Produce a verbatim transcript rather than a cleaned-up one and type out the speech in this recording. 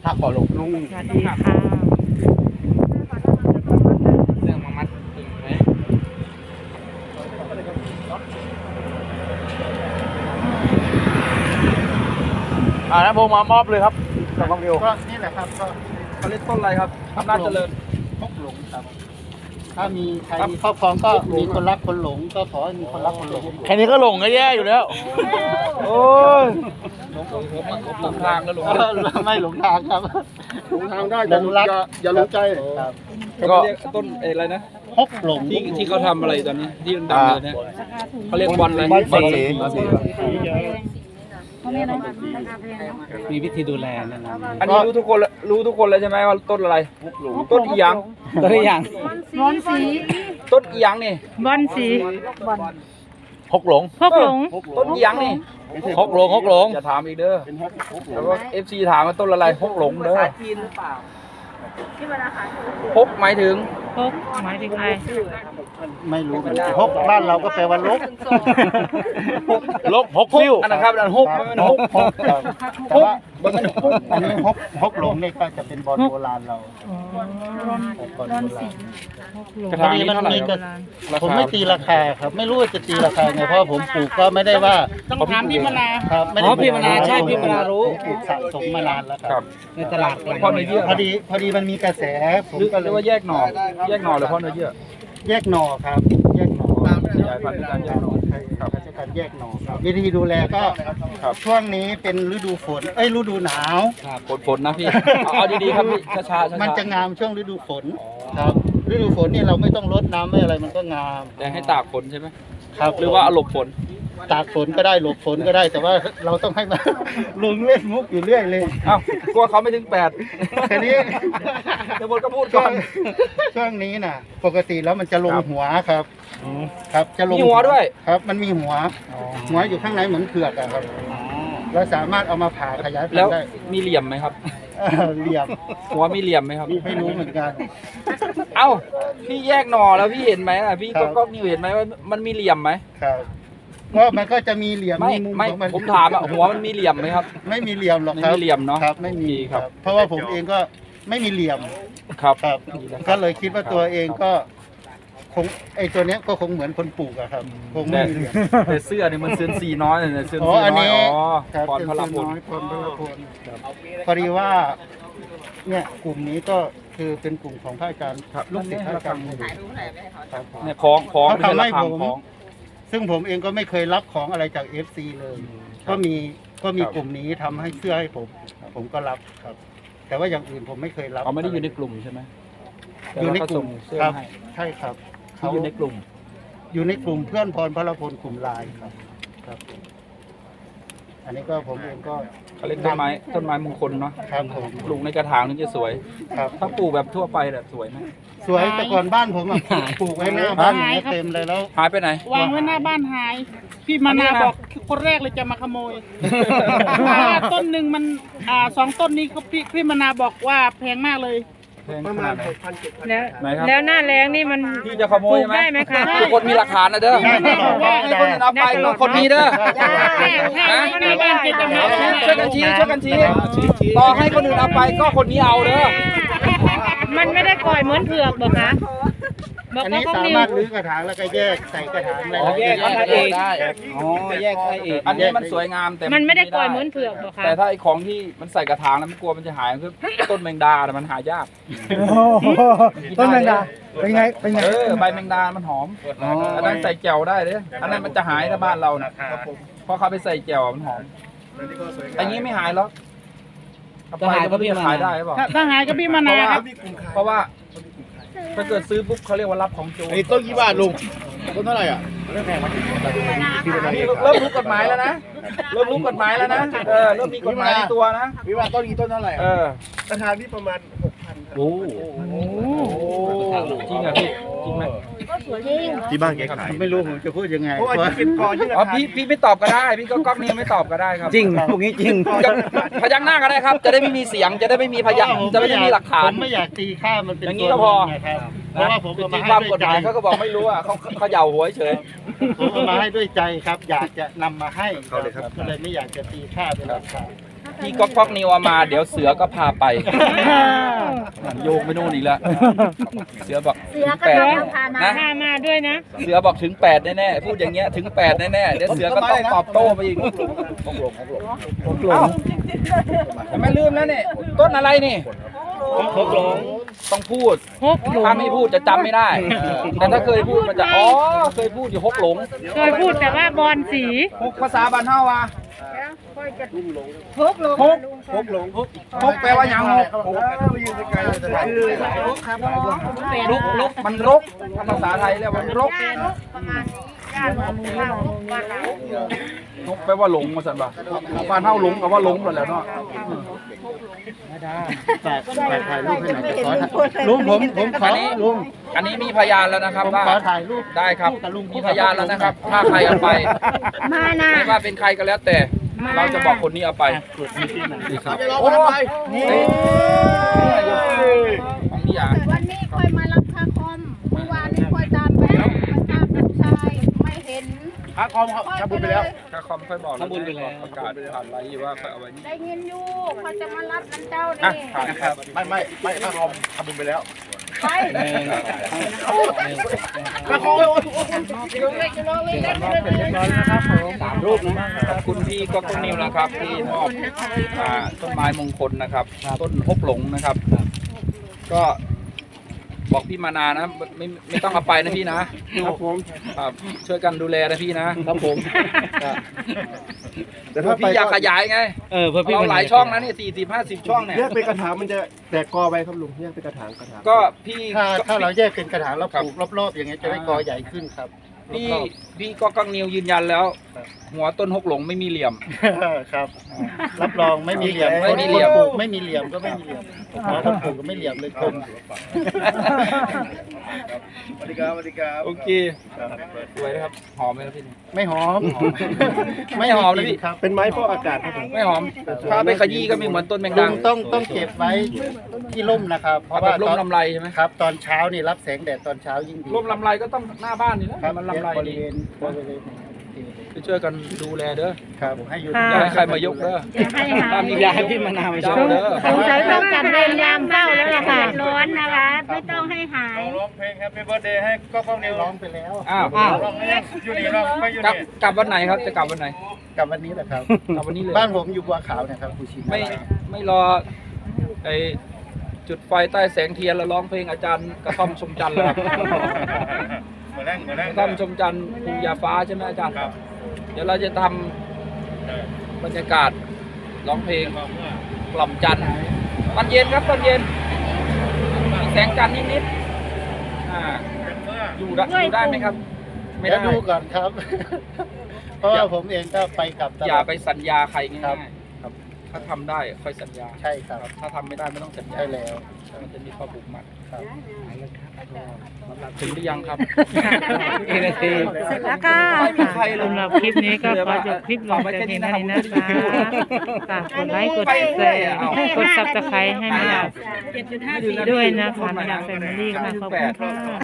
หักก่อนลงลุงสวัสดีค่ะเรื่องมามัดตึงไหมอ่านะผมมามอบเลยครับกับความเร็วก็นี่แหละครับก็เขาเรียกต้นอะไรครับอำนาจเจริญพกหลงครับ ถ้ามีใครมีครอบครองก็มีคนรักคนหลงก็ขอให้มีคนรักคนหลงแค่นี้ก็หลงก็แย่อยู่แล้วโอ้ยหลงหลงทางก็หลงเออไม่หลงทางครับหลงทางได้อย่ารักอย่าหลงใจครับก็เรียกต้นอะไรนะพกหลงที่ที่เขาทำอะไรตอนนี้ที่มันดังเลยเนี่ยเขาเรียกบอลอะไรบอลสีมีวิธีดูแลนะนะอันนี้รู้ทุกคนรู้ทุกคนเลยใช่ไหมว่าต้นอะไรต้นอีหยังตัวอย่างบอลสีต้นอีหยังนี่บอลสีหกหลงพกหลงต้นอีหยังนี่หกหลงหกหลงอย่าถามอีกเด้อแล้วก็เอฟซีถามว่าต้นอะไรฮกหลงเด้อฮกหมายถึงพกหมายถึงอะไรไม่รู้เหมือนกันพกบ้านเราก็แปลว่าลกลกหกซิ่วอันนะครับอันฮกมันฮกพกครับแต่ว่าอันนี้พกพกหลงนี่ก็จะเป็นบอลโบราณเราอ๋อบอลโบราณพกหลงกระถางนี้เท่าไหร่ครับผมไม่ตีราคาครับ ไม่รู้ว่าจะตีราคาไงเพราะผมปลูกก็ไม่ได้ว่าต้องถามพี่มนาครับไม่ได้อ๋อพี่มนาใช่พี่มนารู้ผมปลูกสะสมมานานแล้วคครัรับบในตลาดพ่อเนื้อเยื่อพอดีพอดีมันมีกระแสผมหรือก็หเลรือย ว่าแยกหน่อแยกหน่อหรือพ่อเนื้อเยื่อแยกหน่อครับ แยกหน่อขยายพันธุ์ด้วยการแยกหน่อครับใช้การแยกหน่อครับวิธีดูแลก็ครับช่วงนี้เป็นฤดูฝนเอ้ยฤดูหนาวฝนฝนนะพี่เอาเอาดีๆครับพี่ช้าๆช้าๆมันจะงามช่วงฤดูฝนครับฤดูฝนนี่เราไม่ต้องรดน้ำไม่อะไรมันก็งามแต่ให้ตากฝนใช่ไหมครับหรือว่าเอาหลบฝนตากฝนก็ได้หลบฝนก็ได้ แต่ว่าเราต้องให้มัน ลุงเล่นมุกอยู่เรื่อยเลยอ้าวกลัวเขาไม่ถึงแปดแค่นี้เดี๋ยวบนก็พูดช่ก่วอง นช่วงนี้น่ะ ปกติแล้วมันจะลงครับหัวครับ ครับจะลงมีหัวด้วยครับ มันมีหัว หัวอยู่ข้างในเหมือนเผือกอะครับเราสามารถเอามาผ่าขยายพันแล้วธุ์ได้มีเหลี่ยมไหมครับเออเหลี่ยมหัวมีเหลี่ยมไหมครับไม่รู้เหมือนกันเอ้าพี่แยกหน่อแล้วพี่เห็นไหมล่ะพี่ครัก็บก็นิวเห็นไหมว่ามันมีเหลี่ยมไหมครับก็มันก็จะมีเหลี่ยมไม่มุมไม่ของมันผมถามอ่ะหัวมันมีเหลี่ยมไหมครับไม่มีเหลี่ยมหรอกครับไม่มีเหลี่ยมเนอะครับ ไม่มีดีครับเพราะว่าผมเองก็ไม่มีเหลี่ยมครับครับ ก็เลยคิดว่าตัวเองก็คงไอตัวเนี้ยก็คงเหมือนคนปลูกอะครับคงไม่แต่มีเหลี่ยมแต่เสื้อเนี่ยมันเสื้อสีน้อยเนี่ยเสื้ออ๋อสีอันน้อยนี้อ๋อครับพรเป็นพลส่วนพลน้อยพรพลพลพอดีว่า เนี่ยกลุ่มนี้ก็คือเป็นกลุ่มของพระอาจารย์ลูกศิษย์พระอาจารย์ครับเนี่ยของของเขาทำให้เป็นผมของซึ่งผมเองก็ไม่เคยรับของอะไรจาก เอฟ ซี เลย ก็มีก็มีกลุ่มนี้ทำให้เสื้อให้ผม ผมก็รับครับ แต่ว่าอย่างอื่นผมไม่เคยรับเขาไม่ได้อยู่ในกลุ่มใช่ไหมอยู่ในกลุ่มเสื้อครับให้ใช่ครับที่อยู่ในกลุ่มอยู่ในกลุ่มเพื่อนพรพระพลกลุ่มไลน์ครับ ครับ อันนี้ก็ผมเองก็เขาเรียกต้นไม้ต้นไม้มงคลเนาะครับผมปลูกในกระถางถึงจะสวยครับถ้าปลูกแบบทั่วไปแบบสวยไหมสวยแต่ก่อนบ้านผมอะปลูกไว้หน้าบ้านอย่างเงี้ยเต็มเลยแล้วหายไปไหนวางไว้หน้าบ้านหาย พี่มานาบอกคนแรกเลยจะมาขโมยต้นหนึ่งมันอ่าสองต้นนี้ก็พี่พี่มานาบอกว่าแพงมากเลยแพงขนาดไหนแล้วไหนครับแล้วหน้าแรงนี่มันพี่จะขโมยไหมได้ไหมคะทุกคนมีหลักฐานนะเด้อได้ได้ได้ให้คนอื่นเอาไปก็คนนี้เด้อถ้าหน้าบ้านเกจะมาช่วยกันชี้ช่วยกันชี้ต่อให้คนอื่นเอาไปก็คนนี้เอาเด้อมันไม่ได้ปล่อยเหมือนเผือกบอกคะบอกอันว่านี้เขาสานิวมารถรื้อกระถางแล้วก็แยกใส่กระถางอะไรอ๋อแยกได้ได้ได้อ๋อแยกได้อีกอันนี้มันสวยงามแต่มันไม่ได้ปล่อยเหมือนเผือกบอกคะแต่ถ้าไอ้ของที่มันใส่กระถางแล้วมันกลัวมันจะหายคือต้นแมงดาแต่มันหายากต้นแมงดาเป็นไงเป็นไงเออใบแมงดา มันหอมอันนั้นใส่แจ่วได้เลยอันนั้นมันจะหายถ้าบ้านเรานะเพราะเขาไปใส่แจ่วมันหอมอันนี้ไม่หายหรอกถ้าหายก็พี่ขายได้หรือเปล่าถ้าถ้าหายก็พี่มาเพนาราะว่าครับเพราะว่าถ้าเกิดซื้อปุ๊บเขาเรียกว่ารับของโจรไอ้ต้นกี่บาทลุงต้นเท่าไหร่อ่ะเริ่มรู้กฎหมายแล้วนะเริ่มรู้กฎหมายแล้วนะเออเริ่มมีกฎหมายในตัวนะวิวาต้นกี่ต้นเท่าไหร่เออราคาที่ประมาณหกพันโอ้จริงเหรอพี่จริงไหมที่บ้านแกขายไม่รู้ผมจะพูดยังไงเพราะว่าที่เป็นกอที่ราอ๋อคาพี่พี่ไม่ตอบก็ได้พี่ก็ก๊อกนี้ไม่ตอบก็ได้ครับจริงพวกนี้จริงจะพยักหน้าก็ได้ครับ จะได้ไม่มีเสียงจะได้ไม่มีพยักจะไม่ได้มีหลักฐานผมไม่อยากตีค่ามันเป็นอย่างนี้ตัวก็พอเงินไงครับเพราะว่าผมเอาจริมาง ให้ความด้กวยฎหใจมายเขาก็บอกไม่รู้อ่ะเขาเขาเหย่าหัวเฉยผมเอามาให้ด้วยใจครับ อยากจะนำมาให้เอาเลยครับก็เลยไม่อยากจะตีค่าเป็นราคาพี่ก๊อกก๊อกนิวเอามาเดี๋ยวเสือก็พาไปโยงไปนู่นอีกแล้วเสือบอกเสือก็แปดต้องพามานะพามาด้วยนะเสือบอกถึงแปดแน่ๆพูดอย่างเงี้ยถึงแปดแน่ๆเดี๋ยวเสือก็ต้องตอบโต้ไปอีกเอ้าแต่ไม่ลืมแล้วนี่ต้นอะไรนี่หกหลงต้องพูดหกหลงถ้าไม่พูดจะจำไม่ได้ แต่ถ้าเคยพูดมันจะอ๋อเคยพูดอยู่หกหลงเคยพูดแต่ว่าบอลสีหกภาษาบ้านเฮาว่ะพกลงหกหกหลงหกแปลว่าหยังหกลุกลุกมันรกภาษาไทยเรียกว่ามันรกประมาณนี้ย่านมามือเราบ้านเรานกแปลว่าหลงมาสั่นป่ะบ้านเฮาหลงกับว่าหลงหมดแล้วเนาะฝากฝากถ่ายรูปให้หน่อยขอถ่ายลุงผมผมขอลุงอันนี้มีพยานแล้วนะครับผมว่าขอถ่ายรูปได้ครับกับลุงมีพยานแล้วนะครับ ถ้าใครเอาไปมานะไม่ว่าเป็นใครก็แล้วแต่ เราจะบอกคนนี้เอาไปนี่ครับโอ้ยนี่ของพี่ยาวันนี้ค่อยมารับค่าคอมเมื่อวานนี้ค่อยตามไปมาตามลูกชายไม่เห็นพระคอมทำบุญไปแล้วถ้าคอมค่อยบอกทำบุญไปแล้วประกาศผ่านไลน์ว่าค่อยเอาไว้นี่ได้ยินอยู่เขาจะมารับนันเจ้าอ่ะนี่ผ่านนะครับไม่ไม่ไม่พระคอมทำบุญไปแล้วไปพระคอมสามรูปนะขอบคุณพี่ก็ต้นนิวนะครับที่มอบอ่าต้นไม้มงคลนะครับ ต้นฮกหลงนะครับ ก็บอกพี่มานานะไม่ไม่ต้องเอาไปนะพี่นะครับผมครับช่วยกันดูแลนะพี่นะครับผมแต่ถ้าพี่อยากขยายไงเออเพื่อพี่เราหลายช่องนะนี่สี่สิบห้าสิบช่องเนี่ยแยกเป็นกระถางมันจะแตกกอไปครับลุงแยกเป็นกระถางกระถางก็พี่ถ้าถ้าเราแยกเป็นกระถางแล้วปลูกรอบๆอย่างเงี้ยจะได้กอใหญ่ขึ้นครับพี่พี่ก็กังนิวยืนยันแล้ว หัวต้นฮกหลงไม่มีเหลี่ยมครับ รับรองไม่มีเหลี่ยมไม่มีเหลี่ยมคนปลูกไม่มีเหลี่ยมก็ไม่มีเหลี่ยมเพราะคนปลูกก็ไม่เหลี่ยมเลยคมสวัสดีครับสวัสดีครับโอเคสวยนะครับหอมไหมครับพี่ไม่หอมไม่หอมนะพี่ครับเป็นไม้ฟอกอากาศครับผมไม่หอมถ้าไปขยี้ก็ไม่เหมือนต้นแมงลุดังงต้องต้องเก็บไว้ที่ร่มนะครับ เพเอาราะแบว่าบร่ตมอนลำไรใช่ไหมครับ ตอนเช้านี่รับแสงแดดตอนเช้ายิ่งดีร่มลำไรก็ต้องหน้าบ้านนี่นะครับ มันลำไรบริดีเวณบริเวณไปช่วยกันดูแลเด้อครับให้อยู่อย่าให้ใครมายกเด้อให้หาถ้ามียาให้พี่มะนาวเจ้าเด้อสงสัยต้องจัดเวรยามเฝ้าแล้วล่ะค่ะร้อนนะคะ ไม่ต้องให้หายร้องเพลง Happy Birthday ให้ก็ข้าวเหนียวร้องไปแล้วอ้าวร้องให้อยู่นี่ร้องไม่อยู่กลับนี่กลับวันไหนครับจะกลับวันไหนกับวันนี้แหละครับกลับวันนี้เลยบ้านผมอยู่บัวขาวนะครับภูชินไม่ไม่รอไอจุดไฟใต้แสงเทียนแล้วร้องเพลงอาจารย์กระท่อมชมจันทร์แล้วครับเหมือนแรงเหมือนแรกงระท่อมชมจันทร์ภูยาฟ้าใช่ไหมอาจารย์เดี๋ยวเราจะทำบรรยากาศร้องเพลงกล่อมจันทร์ตอนเย็นครับตอนเย็นมีแสงจันทร์นิดๆอ่าอยู่ได้อยู่ได้ไหมครับ ไม่เดี๋ยวได้ดูก่อนครับ เพราะว่าผมเองก็ไปกลับตลอย่าอดไปสัญญาใครครัง่าบยๆถ้าทำได้ค่อยสัญญาใช่ครับถ้าทำไม่ได้ไม่ต้องสัญญาใช่แล้วมันจะมีข้อผูกมัดครับถึงหรือยังครับกี่นาทีเสร็จแล้วค่ะไม่มีใครเลยสำหรับคลิปนี้ก็ขอจบคลิปลงแต่เพียงเท่านี้นะคะฝากกดไลค์กดแชร์กดซับสไครต์ให้มาดามด้วยนะคะมาดามแฟมิลี่ค่ะขอบคุณค่ะ